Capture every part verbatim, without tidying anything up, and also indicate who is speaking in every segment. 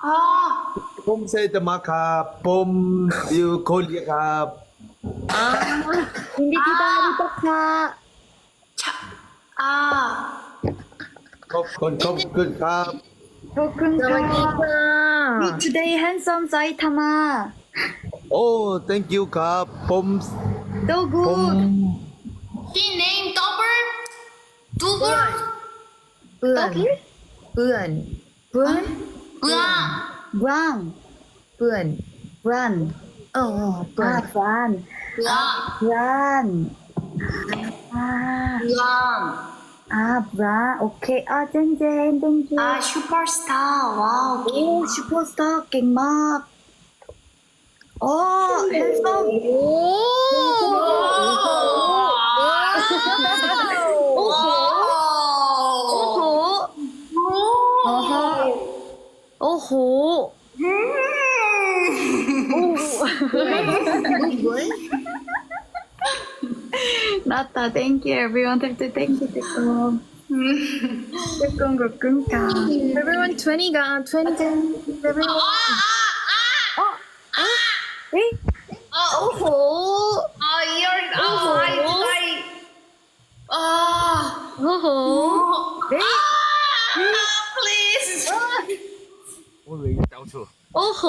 Speaker 1: อ่า
Speaker 2: ผมเซตมาครับผมอยู่เกาหลีครับ
Speaker 3: 아, 준비 기다리다가
Speaker 1: ชะอ่า
Speaker 2: ขอบคุณขอบคุณครับ
Speaker 3: 조금가
Speaker 4: 사와디카.
Speaker 3: today handsome 사이타마
Speaker 2: โอ้ thank you ครับผม
Speaker 3: so
Speaker 2: ผม
Speaker 3: good
Speaker 1: He name double double
Speaker 4: 뿌안. 뿌안.
Speaker 3: 브란
Speaker 1: 으아
Speaker 3: 브랑
Speaker 4: 뿌안.
Speaker 3: 브란
Speaker 4: 어, 어,
Speaker 3: 아
Speaker 4: 뿌안.
Speaker 3: 브란
Speaker 1: 으아
Speaker 3: 브란 아,
Speaker 1: 으아
Speaker 3: 아 브란 오케이 아 젠젠 땡큐
Speaker 1: อ่า superstar ว้าว
Speaker 3: 오 슈퍼스타 갱막 어 핸섬
Speaker 4: 오!
Speaker 3: 오호 어허 오호 나타 thank you everyone thank you thank you 조금 조금 조금가
Speaker 4: Everyone twenty 가, twenty 가. Everyone.
Speaker 3: 에이
Speaker 1: 오호 아 이열 아 라이 라이 아
Speaker 3: 오호 에이
Speaker 1: please
Speaker 2: 我以为交错
Speaker 3: 오호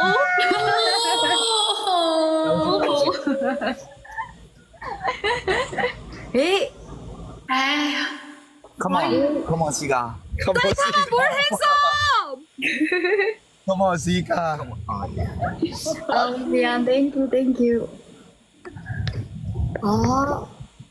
Speaker 3: 에이
Speaker 1: 에이
Speaker 5: Come on, come on, Siga.
Speaker 2: Come on Siga
Speaker 4: More handsome!
Speaker 2: Come on Siga
Speaker 3: 아 미안 thank you thank you 어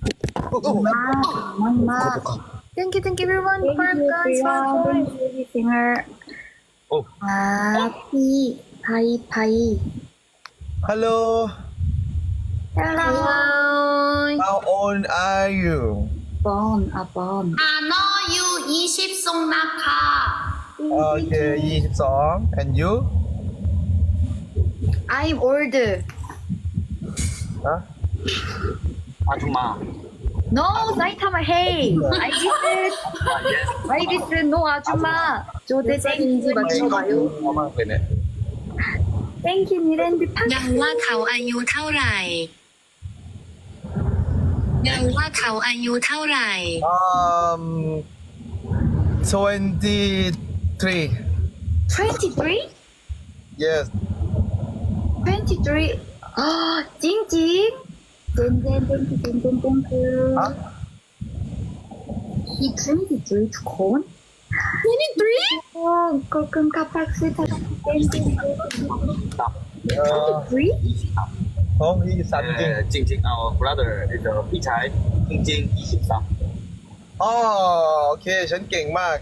Speaker 3: 엄마
Speaker 4: Thank you, thank you, everyone.
Speaker 3: thank
Speaker 4: Five
Speaker 3: you
Speaker 4: guys, five
Speaker 3: everyone
Speaker 4: guys.
Speaker 3: thank you singer
Speaker 2: Oh.
Speaker 3: 아 피 파이 파이
Speaker 2: Hello
Speaker 3: hello
Speaker 4: Hello.
Speaker 2: how old are you
Speaker 3: 번 아번
Speaker 1: อ่าน้ออยู่ยี่สิบทรงนะคะ
Speaker 2: okay ยี่สิบสอง and you
Speaker 3: I'm old
Speaker 2: ฮะ
Speaker 5: 아줌마.
Speaker 3: no 사이타마 hey I visit I visit no 아줌마 조대
Speaker 4: 몇 살인지
Speaker 3: 땡큐
Speaker 4: 맞춰봐요.
Speaker 2: มากเลยเนี่ย
Speaker 3: 땡큐 니랜드 파
Speaker 6: เดาว่าเขาอายุเท่าไหร่เดาว่าเขาอายุเท่าไหร่
Speaker 2: um twenty-three
Speaker 3: twenty-three
Speaker 2: yes
Speaker 3: twenty-three 아 찡찡 젠젠 땡큐 젠젠 땡큐
Speaker 2: ฮะ
Speaker 3: he twenty-threeทุกคน
Speaker 4: twenty-three?
Speaker 3: โอ้ก็คึมคับพักซื้อทักเต้นจริง
Speaker 2: เออ
Speaker 3: three
Speaker 2: โอ้ยี่สิบสามจริง
Speaker 5: 네, 찡찡, our brother is a 피차이. 찡찡 이십삼.
Speaker 2: อ๋อโอเค ฉันเก่งมาก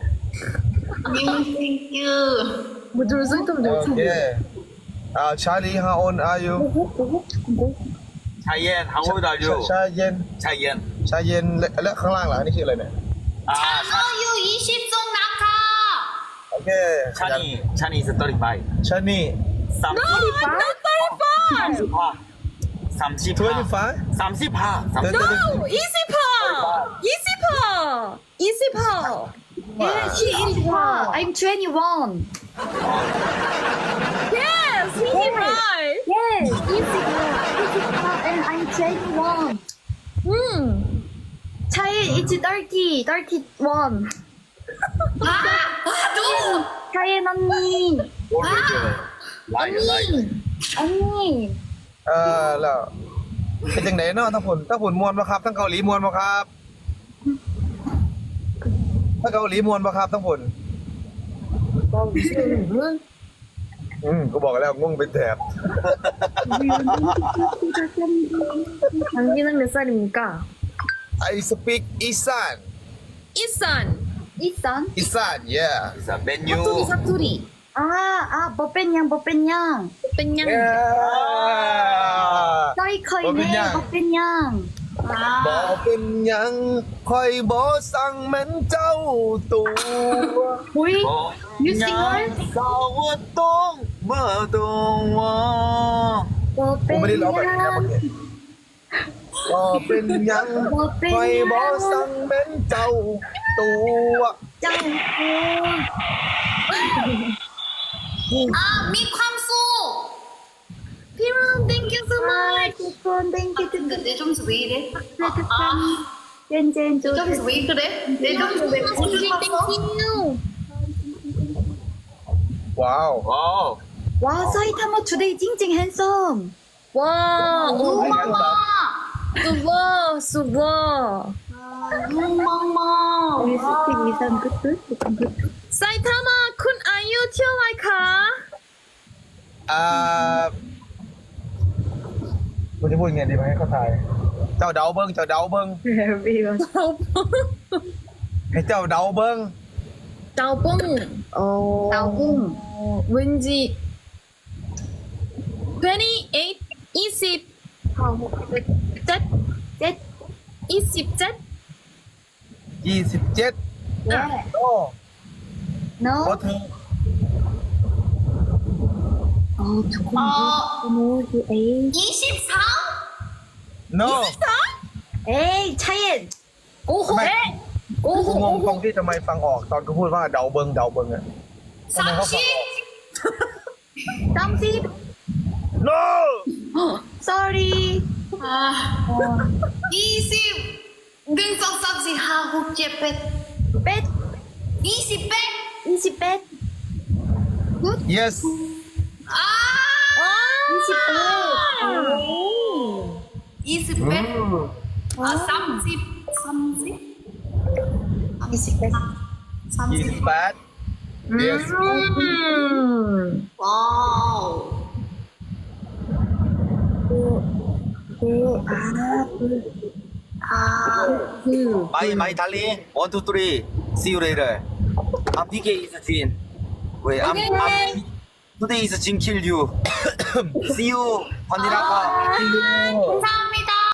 Speaker 1: thank you
Speaker 4: 뭐 들었어? 좀
Speaker 2: โอ
Speaker 4: 더.
Speaker 2: เคอ่าชาลี how old are you
Speaker 5: 차이엔, how old are you?
Speaker 2: ชาเย็น
Speaker 5: 차이엔.
Speaker 2: ชาเย็นและและข้างล่างล่ะอันนี่ชื่ออะไรเนี่ย
Speaker 5: 아,
Speaker 1: น้ออยู่ยี่สิบทรงนะคะ
Speaker 2: โอเค
Speaker 5: 찬이, 찬이 is thirty-five.
Speaker 2: ชานี่
Speaker 5: 삼십.
Speaker 4: Not thirty-five!
Speaker 5: 삼십.
Speaker 2: twenty-five
Speaker 5: 삼십.
Speaker 2: 네, 네, 네.
Speaker 4: No! 이십파! 이십파! 이십파!
Speaker 3: yeah she is one I'm twenty-one
Speaker 4: Yes! He right!
Speaker 3: yes is and I'm twenty-one
Speaker 4: 음!
Speaker 3: 차이 is thirty thirty-one
Speaker 1: 아, 아, 너
Speaker 3: 차이 언니
Speaker 5: 라이어, 라이어.
Speaker 3: 언니
Speaker 2: เออแล้วเป็นจังไหนเนาะทั้งผลทั้งผลมวนปะครับทั้งเกาหลีมวนปะครับทั้งเกาหลีมวนปะครับทั้งผลอืมกูบอกแล้วงงเป็นแถบ
Speaker 4: 당기는 몇 살입니까?
Speaker 2: I speak อีสาน
Speaker 4: 이산!
Speaker 3: 이산
Speaker 2: อีสาน yeah
Speaker 5: 자, 메뉴.
Speaker 4: 사투리 사투리
Speaker 3: 아아 버뺀양 버뺀양
Speaker 4: 뺀냥
Speaker 2: yeah
Speaker 3: 사이커이네
Speaker 2: 버뺀양.
Speaker 3: 버뺀양
Speaker 1: อ่า
Speaker 2: บอกเป็นหยังคอยบอสั่งแม่นเจ้าตัว
Speaker 3: 보이
Speaker 5: 어,
Speaker 3: You sing one?
Speaker 5: 싸웠던 뭐동와.
Speaker 2: กูไม่ได้ร้องแบบนี้นะ
Speaker 3: 버뺀양
Speaker 2: เมื่อกี้บอกเป็นหยังคอยบอสั่งแม่นเจ้าตัว
Speaker 3: 짱
Speaker 1: 아, 미ความสุข
Speaker 4: 피랑 thank you so much.
Speaker 3: ทุกคนเ thank you to
Speaker 1: 근데 내 점수 왜 이래?
Speaker 3: ทุกคน
Speaker 1: 아,
Speaker 3: เจนเจนจู
Speaker 1: 내 점수 왜 그래? 내 점수 왜
Speaker 4: thank
Speaker 1: 고생했어?
Speaker 4: you.
Speaker 2: ว้าว
Speaker 5: 와.
Speaker 3: ว้าวไซทำมา today จริงจริง handsome
Speaker 4: 와, 어,
Speaker 1: 눈망마!
Speaker 4: 수버, 수버.
Speaker 1: 눈망마!
Speaker 3: มีสติมีสันกึ๊ดกึ๊ดมีสันกึ๊ด
Speaker 4: 사이타마 쿤 아이유 튀어와이카.
Speaker 2: อ่าคุณจะพูดยังไงดีไหมให้เขาทายเจ้าเดาเบิ้งเจ้าเดาเบิ้ง
Speaker 3: very well
Speaker 2: ให้เจ้าเดาเบิ้ง
Speaker 4: 짜뽕. 어,
Speaker 3: เตากุ้ง
Speaker 4: 어, 왠지 twenty-eight, 이십,
Speaker 3: เจ็ด
Speaker 4: 이십 셋.
Speaker 2: ยี่สิบเจ็ด
Speaker 3: เย้
Speaker 2: โอ้
Speaker 3: no
Speaker 2: โหเธอ
Speaker 3: โอ้ทุกคน
Speaker 1: 어,
Speaker 3: โน้ตเอ้ย
Speaker 1: 이십삼?
Speaker 2: no
Speaker 3: เอ้ยชัยเอ็น
Speaker 4: 오호.
Speaker 2: ทำไม
Speaker 4: 오호.
Speaker 2: กูงงตรงที่ทำไมฟังออกตอนกูพูดว่าเดาเบิ้งเดาเบิ้งอะทำไมเขาฟังออก
Speaker 1: 삼십?
Speaker 3: สามสิบ
Speaker 2: no
Speaker 3: sorry
Speaker 1: 아, 이십! 능성 삼십 하고 째빼
Speaker 3: เป็ด
Speaker 1: 이십 백?
Speaker 3: ยี่สิบแปด
Speaker 2: yes
Speaker 1: 아!
Speaker 3: ยี่สิบแปด
Speaker 1: 이십 백? 아, 삼십? 삼십?
Speaker 3: ยี่สิบแปด
Speaker 2: ยี่สิบ
Speaker 1: 삼십?
Speaker 2: แปด yes
Speaker 4: 음.
Speaker 1: 와우.
Speaker 3: เอ้ยอ่า
Speaker 1: 아,
Speaker 5: 마이 마이 달리. 원, 투, 쓰리. See you later. I'm D K is Jin. Wait, I'm, I'm today is Jin kill you. See you. 환디라카.
Speaker 1: 감사합니다.